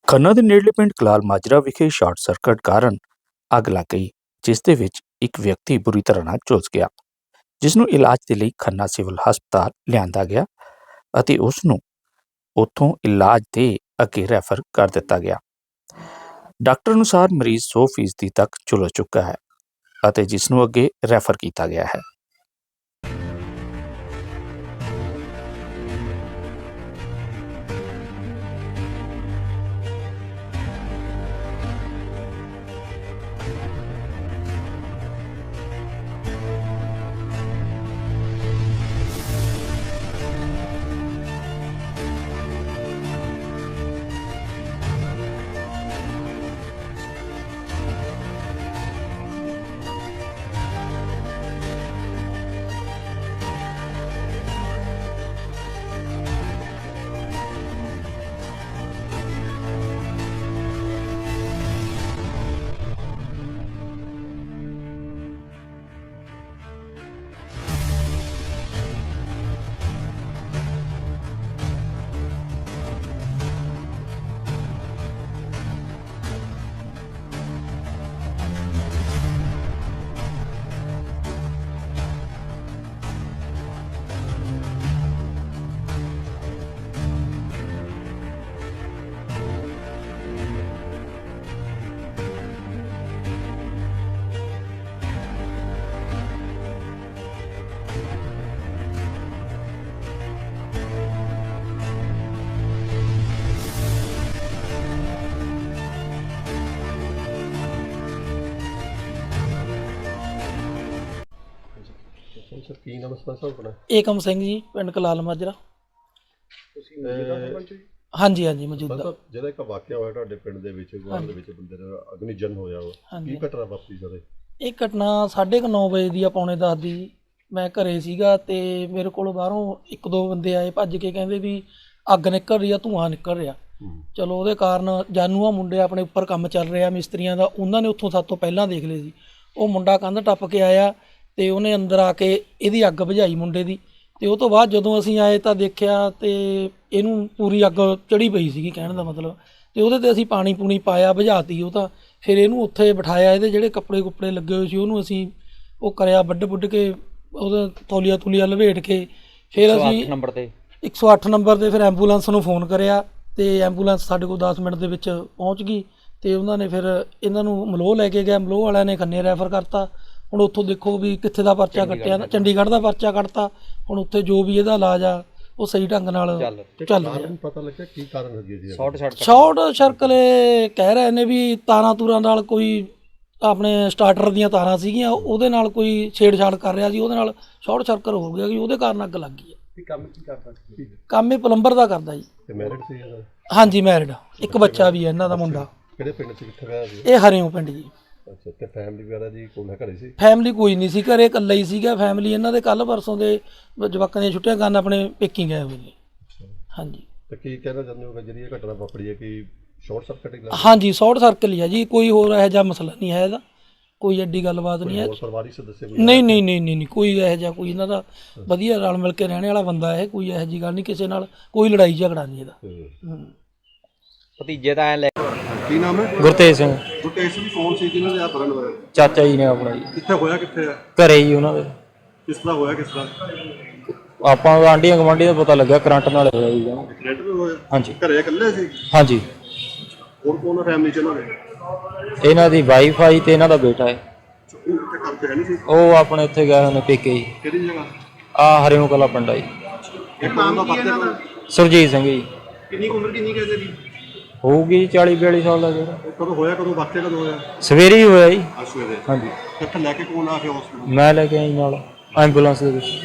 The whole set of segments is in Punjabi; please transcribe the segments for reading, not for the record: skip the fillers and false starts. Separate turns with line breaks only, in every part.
ਖੰਨਾ ਦੇ ਨੇੜਲੇ ਪਿੰਡ ਕਲਾਲ ਮਾਜਰਾ ਵਿਖੇ ਸ਼ਾਰਟ ਸਰਕਟ ਕਾਰਨ ਅੱਗ ਲੱਗ ਗਈ, ਜਿਸ ਦੇ ਵਿੱਚ ਇੱਕ ਵਿਅਕਤੀ ਬੁਰੀ ਤਰ੍ਹਾਂ ਨਾਲ ਝੁਲਸ ਗਿਆ, ਜਿਸ ਨੂੰ ਇਲਾਜ ਦੇ ਲਈ ਖੰਨਾ ਸਿਵਲ ਹਸਪਤਾਲ ਲਿਆਂਦਾ ਗਿਆ ਅਤੇ ਉਸ ਨੂੰ ਉੱਥੋਂ ਇਲਾਜ ਦੇ ਅੱਗੇ ਰੈਫਰ ਕਰ ਦਿੱਤਾ ਗਿਆ। ਡਾਕਟਰ ਅਨੁਸਾਰ ਮਰੀਜ਼ 100% ਤੱਕ ਝੁਲਸ ਚੁੱਕਾ ਹੈ ਅਤੇ ਜਿਸ ਨੂੰ ਅੱਗੇ ਰੈਫਰ ਕੀਤਾ ਗਿਆ ਹੈ।
ਸਰ ਕੀ ਨਾਮ ਸਰਪੰਚ ਸਾਹਿਬ ਆਪਣਾ?
ਏਕਮ ਸਿੰਘ ਜੀ, ਪਿੰਡ ਕਲਾਲ ਮਾਜਰਾ।
ਤੁਸੀਂ ਮੌਜੂਦਾ ਸਰਪੰਚ ਜੀ?
ਹਾਂਜੀ ਹਾਂਜੀ, ਮੌਜੂਦਾ।
ਜਿਹੜਾ ਇੱਕ ਵਾਕਿਆ ਹੋਇਆ ਤੁਹਾਡੇ ਪਿੰਡ ਦੇ ਵਿੱਚ, ਗਵਾਂਢ ਦੇ ਵਿੱਚ ਬੰਦੇ ਦਾ ਅਗਨੀਜਨ ਹੋਇਆ ਵਾ, ਕੀ ਘਟਨਾ ਵਾਪਰੀ ਸਰ?
ਇਹ ਘਟਨਾ 9:30 ਵਜੇ ਦੀ ਆ, ਪੌਣੇ 10 ਦੀ। ਮੈਂ ਘਰੇ ਸੀਗਾ ਤੇ ਮੇਰੇ ਕੋਲ ਬਾਹਰੋਂ ਇੱਕ ਦੋ ਬੰਦੇ ਆਏ ਭੱਜ ਕੇ, ਕਹਿੰਦੇ ਵੀ ਅੱਗ ਨਿਕਲ ਰਹੀ ਆ, ਧੂੰਆਂ ਨਿਕਲ ਰਿਹਾ। ਚਲੋ ਉਹਦੇ ਕਾਰਨ ਜਾਨੂਆ ਮੁੰਡੇ ਆਪਣੇ ਉੱਪਰ ਕੰਮ ਚੱਲ ਰਿਹਾ ਮਿਸਤਰੀਆਂ ਦਾ, ਉਹਨਾਂ ਨੇ ਉੱਥੋਂ ਸਾਡੇ ਤੋਂ ਪਹਿਲਾਂ ਦੇਖ ਲਏ ਸੀ। ਉਹ ਮੁੰਡਾ ਕੰਧ ਟੱਪ ਕੇ ਆਇਆ ਤੇ ਉਹਨੇ ਅੰਦਰ ਆ ਕੇ ਇਹਦੀ ਅੱਗ ਬੁਝਾਈ ਮੁੰਡੇ ਦੀ। ਤੇ ਉਹ ਤੋਂ ਬਾਅਦ ਜਦੋਂ ਅਸੀਂ ਆਏ ਤਾਂ ਦੇਖਿਆ ਤੇ ਇਹਨੂੰ ਪੂਰੀ ਅੱਗ ਚੜੀ ਪਈ ਸੀਗੀ, ਕਹਿਣ ਦਾ ਮਤਲਬ। ਤੇ ਉਹਦੇ ਤੇ ਅਸੀਂ ਪਾਣੀ ਪੂਣੀ ਪਾਇਆ, ਬੁਝਾਤੀ ਉਹ ਤਾਂ। ਫਿਰ ਇਹਨੂੰ ਉੱਥੇ ਬਿਠਾਇਆ, ਇਹਦੇ ਜਿਹੜੇ ਕੱਪੜੇ ਕੁੱਪੜੇ ਲੱਗੇ ਹੋਏ ਸੀ ਉਹਨੂੰ ਅਸੀਂ ਉਹ ਕਰਿਆ, ਵੱਢ ਕੇ ਉਹਦਾ ਤੌਲੀਆ ਤੂਲੀਆ ਲਪੇਟ ਕੇ। ਫਿਰ ਅਸੀਂ 108 ਨੰਬਰ 'ਤੇ ਫਿਰ ਐਂਬੂਲੈਂਸ ਨੂੰ ਫੋਨ ਕਰਿਆ ਤੇ ਐਂਬੂਲੈਂਸ ਸਾਡੇ ਕੋਲ 10 ਮਿੰਟ ਦੇ ਵਿੱਚ ਪਹੁੰਚ ਗਈ। ਤੇ ਉਹਨਾਂ ਨੇ ਫਿਰ ਇਹਨਾਂ ਨੂੰ ਮਲੋਹ ਲੈ ਕੇ ਗਿਆ, ਮਲੋਹ ਵਾਲਿਆਂ ਨੇ ਖੰਨੇ ਰੈਫਰ ਕਰਤਾ। ਹੁਣ ਉੱਥੋਂ ਦੇਖੋ ਵੀ ਕਿੱਥੇ ਦਾ ਪਰਚਾ ਕੱਟਿਆ, ਚੰਡੀਗੜ੍ਹ ਦਾ ਪਰਚਾ ਕੱਟਤਾ। ਹੁਣ ਉੱਥੇ ਜੋ ਵੀ ਇਹਦਾ ਇਲਾਜ ਆ ਉਹ ਸਹੀ ਢੰਗ ਨਾਲ ਚੱਲ ਰਿਹਾ।
ਪਤਾ ਲੱਗਿਆ ਕੀ ਕਾਰਨ ਹੈਗੀ ਜੀ?
ਸ਼ਾਰਟ ਸਰਕਟ ਕਹਿ ਰਹੇ ਨੇ ਵੀ ਤਾਰਾਂ ਤੂਰਾਂ ਨਾਲ, ਕੋਈ ਆਪਣੇ ਸਟਾਰਟਰ ਦੀਆਂ ਤਾਰਾਂ ਸੀਗੀਆਂ, ਉਹਦੇ ਨਾਲ ਕੋਈ ਛੇੜਛਾੜ ਕਰ ਰਿਹਾ ਸੀ, ਉਹਦੇ ਨਾਲ ਸ਼ਾਰਟ ਸਰਕਟ ਹੋ ਗਿਆ ਕਿ ਉਹਦੇ ਕਾਰਨ ਅੱਗ ਲੱਗ ਗਈ ਹੈ।
ਕੰਮ ਕੀ ਕਰਦਾ ਸੀ?
ਕੰਮ ਇਹ ਪਲੰਬਰ ਦਾ ਕਰਦਾ ਜੀ।
ਤੇ ਮੈਰਿਡ ਸੀ ਇਹਦਾ?
ਹਾਂਜੀ ਮੈਰਿਡ, ਇੱਕ ਬੱਚਾ ਵੀ ਹੈ ਇਹਨਾਂ ਦਾ, ਮੁੰਡਾ।
ਕਿਹੜੇ ਪਿੰਡ 'ਚ, ਕਿੱਥੇ ਗਿਆ ਸੀ
ਇਹ ਹਰਿਓਂ ਪਿੰਡ ਜੀ।
ਅੱਛਾ, ਤੇ ਫੈਮਿਲੀ ਵਗੈਰਾ ਜੀ ਕੋਲ ਘਰੇ ਸੀ?
ਫੈਮਿਲੀ ਕੋਈ ਨਹੀਂ ਸੀ ਘਰੇ, ਇਕੱਲਾ ਹੀ ਸੀਗਾ। ਫੈਮਿਲੀ ਇਹਨਾਂ ਦੇ ਕੱਲ੍ਹ ਪਰਸੋਂ ਦੇ ਜਵਾਕਾਂ ਦੀਆਂ ਛੁੱਟੀਆਂ ਕਰਨ ਆਪਣੇ ਪੇਕੀ ਗਏ ਹੋਏ ਨੇ। ਹਾਂਜੀ।
ਤੇ ਕੀ ਕਹਿਣਾ ਚਾਹੁੰਦੇ ਹੋ ਜਿਹੜੀ ਇਹ ਘਟਨਾ ਵਾਪਰੀ ਹੈ ਕਿ ਸ਼ਾਰਟ ਸਰਕਟ ਹੀ?
ਹਾਂਜੀ, ਸ਼ਾਰਟ ਸਰਕਟ ਹੀ ਆ ਜੀ, ਕੋਈ ਹੋਰ ਇਹੋ ਜਿਹਾ ਮਸਲਾ ਨਹੀਂ ਹੈ ਇਹਦਾ, ਕੋਈ ਐਡੀ ਗੱਲਬਾਤ ਨਹੀਂ ਹੈ।
ਪਰਿਵਾਰੀ ਸਦੱਸਿਆ?
ਨਹੀਂ, ਕੋਈ ਇਹੋ ਜਿਹਾ, ਕੋਈ ਇਹਨਾਂ ਦਾ ਵਧੀਆ ਰਲ ਮਿਲ ਕੇ ਰਹਿਣ ਵਾਲਾ ਬੰਦਾ ਹੈ। ਕੋਈ ਇਹੋ ਜਿਹੀ ਗੱਲ ਨਹੀਂ, ਕਿਸੇ ਨਾਲ ਕੋਈ ਲੜਾਈ ਝਗੜਾ ਨਹੀਂ ਇਹਦਾ।
ਭਤੀਜੇ ਤਾਂ ਐ ਲੈ।
ਕੀ ਨਾਮ ਹੈ?
ਗੁਰਤੇਜ ਸਿੰਘ।
ਗੁਰਤੇਜ ਸਿੰਘ ਕੌਣ ਸੀ ਜਿਹਨਾਂ ਦੇ ਆ ਬਰਨ ਹੋਇਆ?
ਚਾਚਾ ਜੀ ਨੇ ਆਪਣਾ ਜੀ।
ਕਿੱਥੇ ਹੋਇਆ, ਕਿੱਥੇ ਆ?
ਘਰੇ ਹੀ ਉਹਨਾਂ ਦੇ।
ਕਿਸ ਤਰ੍ਹਾਂ ਹੋਇਆ, ਕਿਸ ਤਰ੍ਹਾਂ?
ਆਪਾਂ ਆਂਢੀਆਂ ਗੁਆਂਢੀਆਂ ਦਾ ਪਤਾ ਲੱਗਾ ਕਰੰਟ ਨਾਲ ਹੋਇਆ ਜੀ।
ਕਰੰਟ ਵੀ ਹੋਇਆ?
ਹਾਂਜੀ।
ਘਰੇ ਇਕੱਲੇ ਸੀ?
ਹਾਂਜੀ।
ਹੋਰ ਕੌਣ ਫੈਮਿਲੀ ਚ ਇਹਨਾਂ ਦੇ?
ਇਹਨਾਂ ਦੀ ਵਾਈਫ ਆਈ ਤੇ ਇਹਨਾਂ ਦਾ ਬੇਟਾ ਹੈ।
ਉਹ ਕਿੱਥੇ ਕਰਦੇ ਹੈ ਨਹੀਂ ਸੀ?
ਉਹ ਆਪਣੇ ਉੱਥੇ ਗਏ ਹੋਏ ਨੇ ਪੇਕੇ ਜੀ।
ਕਿਹੜੀ ਜਗ੍ਹਾ?
ਆ ਹਰਿਓਂ ਕਲਾ ਪਿੰਡ ਆ ਜੀ।
ਇਹ ਨਾਮ ਕੀ ਇਹਨਾਂ ਦਾ?
ਸੁਰਜੀਤ ਸਿੰਘ ਜੀ।
ਕਿੰਨੀ ਉਮਰ ਕਿੰਨੀ ਕਹਿੰਦੇ ਜੀ?
ਹੋਊਗੀ 40-42 ਸਾਲ ਦਾ ਜਿਹੜਾ।
ਕਦੋਂ ਹੋਇਆ, ਕਦੋਂ ਵਾਕਿਆ ਕਦੋਂ ਹੋਇਆ?
ਸਵੇਰੇ ਹੀ ਹੋਇਆ ਜੀ।
ਸਵੇਰੇ?
ਹਾਂਜੀ।
ਇੱਥੇ ਲੈ ਕੇ ਕੌਣ ਆ ਕੇ ਹਸਪੀਟਲ?
ਮੈਂ ਲੈ ਕੇ ਆਈ ਨਾਲ ਐਂਬੂਲੈਂਸ ਦੇ ਵਿੱਚ।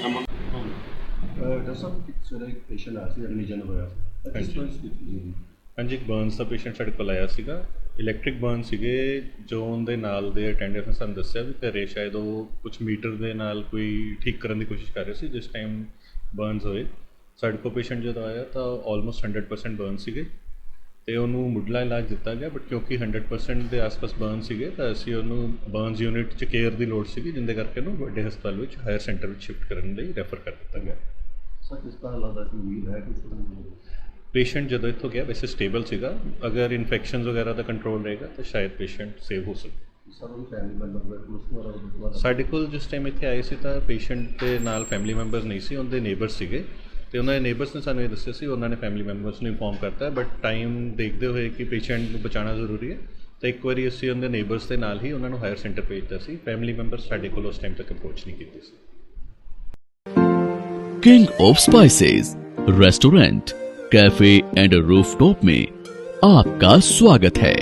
ਦੱਸੋ ਸਵੇਰੇ ਪੇਸ਼ੈਂਟ ਆਇਆ ਸੀ, ਅਗਨੀਜਨ ਹੋਇਆ।
ਹਾਂਜੀ, ਇੱਕ ਬਰਨਸ ਦਾ ਪੇਸ਼ੈਂਟ ਸਾਡੇ ਕੋਲ ਆਇਆ ਸੀਗਾ। ਇਲੈਕਟ੍ਰਿਕ ਬਰਨ ਸੀਗੇ। ਜੋ ਉਹਦੇ ਨਾਲ ਦੇ ਅਟੈਂਡੈਂਟ ਨੇ ਸਾਨੂੰ ਦੱਸਿਆ ਵੀ ਘਰੇ ਸ਼ਾਇਦ ਉਹ ਕੁਝ ਮੀਟਰ ਦੇ ਨਾਲ ਕੋਈ ਠੀਕ ਕਰਨ ਦੀ ਕੋਸ਼ਿਸ਼ ਕਰ ਰਹੇ ਸੀ ਜਿਸ ਟਾਈਮ ਬਰਨਸ ਹੋਏ। ਸਾਡੇ ਕੋਲ ਪੇਸ਼ੈਂਟ ਜਦੋਂ ਆਇਆ ਤਾਂ ਆਲਮੋਸਟ 100% ਬਰਨ ਸੀਗੇ ਅਤੇ ਉਹਨੂੰ ਮੁੱਢਲਾ ਇਲਾਜ ਦਿੱਤਾ ਗਿਆ। ਬਟ ਕਿਉਂਕਿ 100% ਦੇ ਆਸ-ਪਾਸ ਬਰਨ ਸੀਗੇ ਤਾਂ ਅਸੀਂ ਉਹਨੂੰ ਬਰਨਸ ਯੂਨਿਟ 'ਚ ਕੇਅਰ ਦੀ ਲੋੜ ਸੀਗੀ, ਜਿਹਦੇ ਕਰਕੇ ਉਹਨੂੰ ਵੱਡੇ ਹਸਪਤਾਲ ਵਿੱਚ ਹਾਇਰ ਸੈਂਟਰ ਵਿੱਚ ਸ਼ਿਫਟ ਕਰਨ ਲਈ ਰੈਫਰ ਕਰ ਦਿੱਤਾ ਗਿਆ।
ਸਰ ਕਿਸ ਤਰ੍ਹਾਂ ਲੱਗਦਾ ਕਿ ਉਮੀਦ ਹੈ ਕਿ
ਪੇਸ਼ੈਂਟ ਜਦੋਂ ਇੱਥੋਂ ਗਿਆ ਵੈਸੇ ਸਟੇਬਲ ਸੀਗਾ, ਅਗਰ ਇਨਫੈਕਸ਼ਨਸ ਵਗੈਰਾ ਦਾ ਕੰਟਰੋਲ ਰਹੇਗਾ ਤਾਂ ਸ਼ਾਇਦ ਪੇਸ਼ੈਂਟ ਸੇਵ ਹੋ ਸਕੇ।
ਸਰ ਉਹਦੀ ਫੈਮਿਲੀ ਮੈਂਬਰ ਕੋਲ
ਸਾਡੇ ਕੋਲ ਜਿਸ ਟਾਈਮ ਇੱਥੇ ਆਏ ਸੀ ਤਾਂ ਪੇਸ਼ੈਂਟ ਦੇ ਨਾਲ ਫੈਮਿਲੀ ਮੈਂਬਰਸ ਨਹੀਂ ਸੀ, ਉਹਦੇ ਨੇਬਰਸ ਸੀਗੇ ਤੇ ਉਹਨਾਂ ਦੇ ਨੇਬਰਸ ਨੇ ਸਾਨੂੰ ਇਹ ਦੱਸਿਆ ਸੀ, ਉਹਨਾਂ ਨੇ ਫੈਮਿਲੀ ਮੈਂਬਰਸ ਨੂੰ ਇਨਫੋਰਮ ਕਰਤਾ, ਬਟ ਟਾਈਮ ਦੇਖਦੇ ਹੋਏ ਕਿ ਪੇਸ਼ੈਂਟ ਨੂੰ ਬਚਾਉਣਾ ਜ਼ਰੂਰੀ ਹੈ ਤਾਂ ਇੱਕ ਵਾਰੀ ਅਸੀਂ ਉਹਦੇ ਨੇਬਰਸ ਦੇ ਨਾਲ ਹੀ ਉਹਨਾਂ ਨੂੰ ਹਾਇਰ ਸੈਂਟਰ ਭੇਜਤਾ ਸੀ। ਫੈਮਿਲੀ ਮੈਂਬਰਸ ਸਾਡੇ ਕੋਲ ਉਸ ਟਾਈਮ ਤੱਕ ਅਪਰੋਚ ਨਹੀਂ ਕੀਤੀ ਸੀ।
King of spices restaurant, cafe and rooftop में आपका स्वागत है।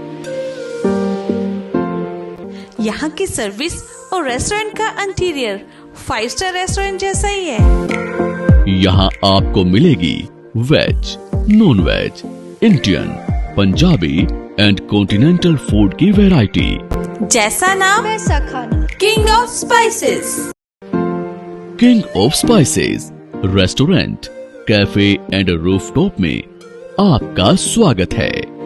यहाँ की सर्विस और रेस्टोरेंट का इंटीरियर 5 स्टार रेस्टोरेंट जैसा ही है।
यहाँ आपको मिलेगी veg, non veg, Indian, Punjabi and continental food की वैरायटी।
जैसा नाम वैसा खाना। King of spices.
King of spices restaurant, cafe and rooftop में आपका स्वागत है।